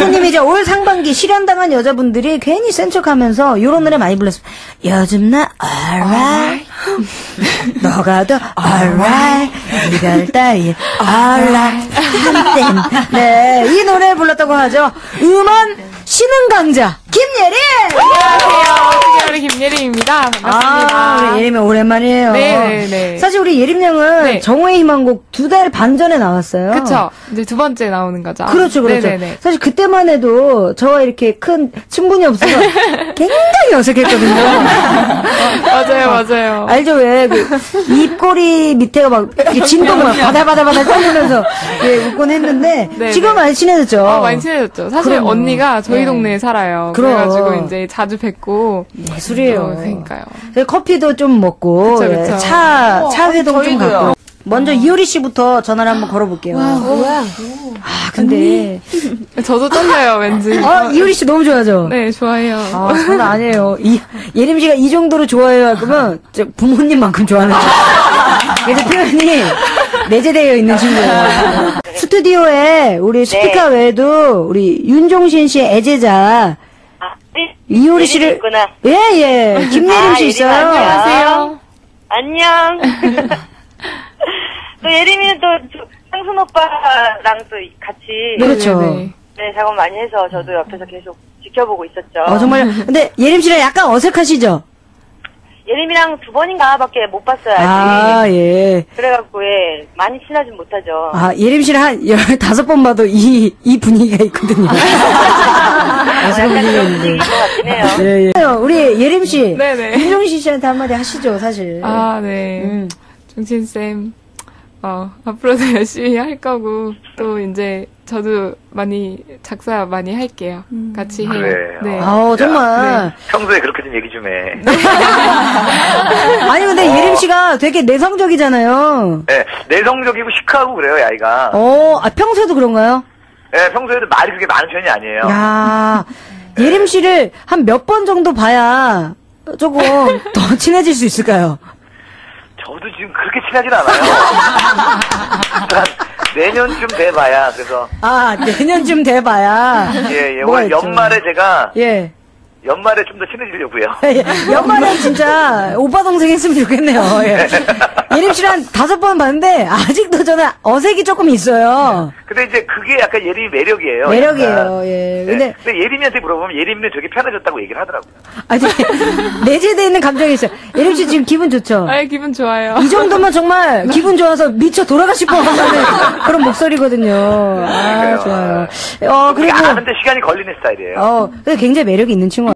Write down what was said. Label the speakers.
Speaker 1: 부모님이 이제 올 상반기 실현당한 여자분들이 괜히 센 척하면서 이런 노래 많이 불렀어요. 요즘 나 alright, 너가 더 alright, 이별 따위 alright, 한땐. 네, 이 노래 불렀다고 하죠. 음원 신흥 강자 김예림.
Speaker 2: 안녕하세요. 어떻게 김예림입니다. 반갑습니다.
Speaker 1: 우리 예림이 오랜만이에요.
Speaker 2: 네.
Speaker 1: 사실 우리 예림 양은
Speaker 2: 네.
Speaker 1: 정오의 희망곡 2달 반 전에 나왔어요.
Speaker 2: 그쵸. 이제 두 번째 나오는 거죠.
Speaker 1: 그렇죠.
Speaker 2: 네네네.
Speaker 1: 사실 그때만 해도 저와 이렇게 큰 친분이 없어서 굉장히 어색했거든요.
Speaker 2: 맞아요.
Speaker 1: 알죠? 왜, 입꼬리 밑에가 막, 진동을 막 바달바달 떠면서, 웃곤 했는데,
Speaker 2: 네네.
Speaker 1: 지금 많이 친해졌죠?
Speaker 2: 많이 친해졌죠. 사실
Speaker 1: 그럼요.
Speaker 2: 언니가 저희 동네에 살아요.
Speaker 1: 그럼.
Speaker 2: 그래가지고 이제 자주 뵙고.
Speaker 1: 예술이에요.
Speaker 2: 그러니까요.
Speaker 1: 커피도 좀 먹고,
Speaker 2: 그쵸.
Speaker 1: 차 회동 좀
Speaker 3: 저희도요.
Speaker 1: 갖고. 먼저 이효리 씨부터 전화를 한번 걸어볼게요. 근데.
Speaker 2: 저도 떨려요, 왠지.
Speaker 1: 이효리 씨 너무 좋아하죠?
Speaker 2: 네, 좋아해요.
Speaker 1: 장난 아니에요. 예림 씨가 이 정도로 좋아해요 할 거면, 부모님만큼 좋아하는 거예요. 그래서 표현이 내재되어 있는 친구예요. 스튜디오에 우리 스피커 외에도 우리 윤종신 씨의 애제자, 이효리 씨를.
Speaker 3: 있구나.
Speaker 1: 예. 김예림 씨 있어요.
Speaker 2: 안녕하세요.
Speaker 3: 안녕. 또 예림이는 또 상순 오빠랑 또 같이
Speaker 1: 그렇죠.
Speaker 2: 네네네.
Speaker 3: 작업 많이 해서 저도 옆에서 계속 지켜보고 있었죠.
Speaker 1: 정말. 근데 예림 씨랑 약간 어색하시죠?
Speaker 3: 예림이랑 두 번인가밖에 못 봤어요, 아직.
Speaker 1: 예.
Speaker 3: 그래갖고, 많이 친하진 못하죠.
Speaker 1: 예림 씨랑 한 15번 봐도 이 분위기가 있거든요. 어색한 분위기가 있는데.
Speaker 3: 분위기인 것 같긴 해요.
Speaker 1: 예. 우리 예림 씨.
Speaker 2: 네네.
Speaker 1: 윤종신 씨한테 한마디 하시죠, 사실.
Speaker 2: 네. 종신쌤, 앞으로도 열심히 할 거고, 또 이제 저도 작사 많이 할게요. 같이 해요.
Speaker 4: 그래.
Speaker 2: 네.
Speaker 1: 정말.
Speaker 4: 평소에 그렇게 좀 얘기 좀 해.
Speaker 1: 아니, 근데 예림 씨가 되게 내성적이잖아요.
Speaker 4: 네, 내성적이고 시크하고 그래요, 이 아이가.
Speaker 1: 평소에도 그런가요?
Speaker 4: 네, 평소에도 말이 그렇게 많은 편이 아니에요.
Speaker 1: 야, 예림 씨를 한 몇 번 정도 봐야 조금 더 친해질 수 있을까요?
Speaker 4: 저도 지금 그렇게 친하진 않아요. 내년쯤 돼봐야, 그래서.
Speaker 1: 내년쯤 돼봐야. 뭐가
Speaker 4: 올
Speaker 1: 있죠?
Speaker 4: 연말에 제가.
Speaker 1: 예.
Speaker 4: 연말에 좀 더 친해지려고요.
Speaker 1: 연말에 진짜 오빠 동생 했으면 좋겠네요. 예. 예림 씨를 한 5번 봤는데 아직도 저는 어색이 조금 있어요.
Speaker 4: 근데 이제 그게 약간 예림이 매력이에요.
Speaker 1: 매력이에요.
Speaker 4: 약간.
Speaker 1: 예.
Speaker 4: 근데 예림이한테 물어보면 예림이는 되게 편해졌다고 얘기를 하더라고요.
Speaker 1: 내재되어 있는 감정이 있어요. 예림 씨 지금 기분 좋죠?
Speaker 2: 기분 좋아요.
Speaker 1: 이 정도면 정말 기분 좋아서 미쳐 돌아가 싶어 하는 그런 목소리거든요.
Speaker 4: 그래요.
Speaker 1: 좋아요.
Speaker 4: 그리고. 아는데 시간이 걸리는 스타일이에요.
Speaker 1: 근데 굉장히 매력이 있는 친구.